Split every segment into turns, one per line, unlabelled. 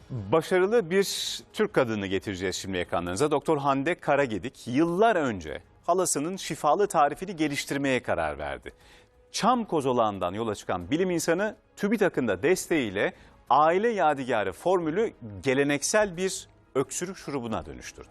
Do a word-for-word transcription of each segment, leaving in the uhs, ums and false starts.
Başarılı bir Türk kadını getireceğiz şimdi ekranlarınıza. Doktor Hande Karagedik yıllar önce halasının şifalı tarifini geliştirmeye karar verdi. Çam kozolağından yola çıkan bilim insanı TÜBİTAK'ın da desteğiyle aile yadigarı formülü geleneksel bir öksürük şurubuna dönüştürdü.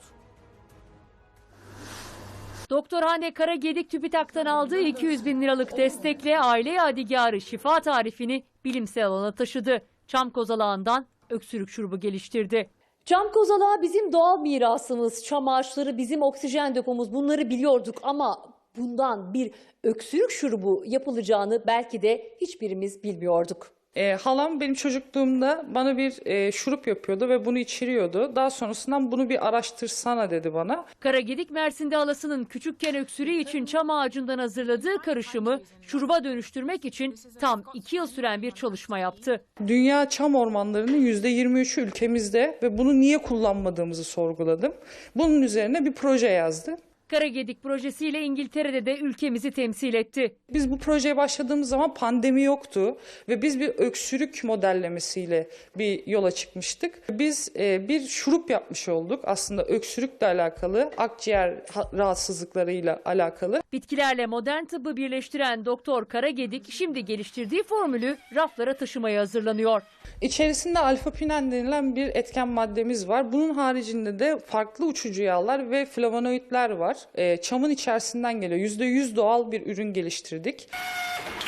Doktor Hande Karagedik TÜBİTAK'tan aldığı iki yüz bin liralık destekle aile yadigarı şifa tarifini bilimsel alana taşıdı. Çam kozalağından öksürük şurubu geliştirdi. Çam kozalağı bizim doğal mirasımız, çam ağaçları bizim oksijen depomuz, bunları biliyorduk ama bundan bir öksürük şurubu yapılacağını belki de hiçbirimiz bilmiyorduk.
E, halam benim çocukluğumda bana bir e, şurup yapıyordu ve bunu içiriyordu. Daha sonrasından bunu bir araştırsana dedi bana.
Karagedik Mersin'de halasının küçükken öksürüğü için çam ağacından hazırladığı karışımı şuruba dönüştürmek için tam iki yıl süren bir çalışma yaptı.
Dünya çam ormanlarının yüzde yirmi üçü ülkemizde ve bunu niye kullanmadığımızı sorguladım. Bunun üzerine bir proje yazdı.
Karagedik projesiyle İngiltere'de de ülkemizi temsil etti.
Biz bu projeye başladığımız zaman pandemi yoktu ve biz bir öksürük modellemesiyle bir yola çıkmıştık. Biz e, bir şurup yapmış olduk aslında öksürükle alakalı, akciğer rahatsızlıklarıyla alakalı.
Bitkilerle modern tıbbı birleştiren Doktor Karagedik şimdi geliştirdiği formülü raflara taşımaya hazırlanıyor.
İçerisinde alfa-pinen denilen bir etken maddemiz var. Bunun haricinde de farklı uçucu yağlar ve flavonoidler var. E, çamın içerisinden geliyor. yüzde yüz doğal bir ürün geliştirdik.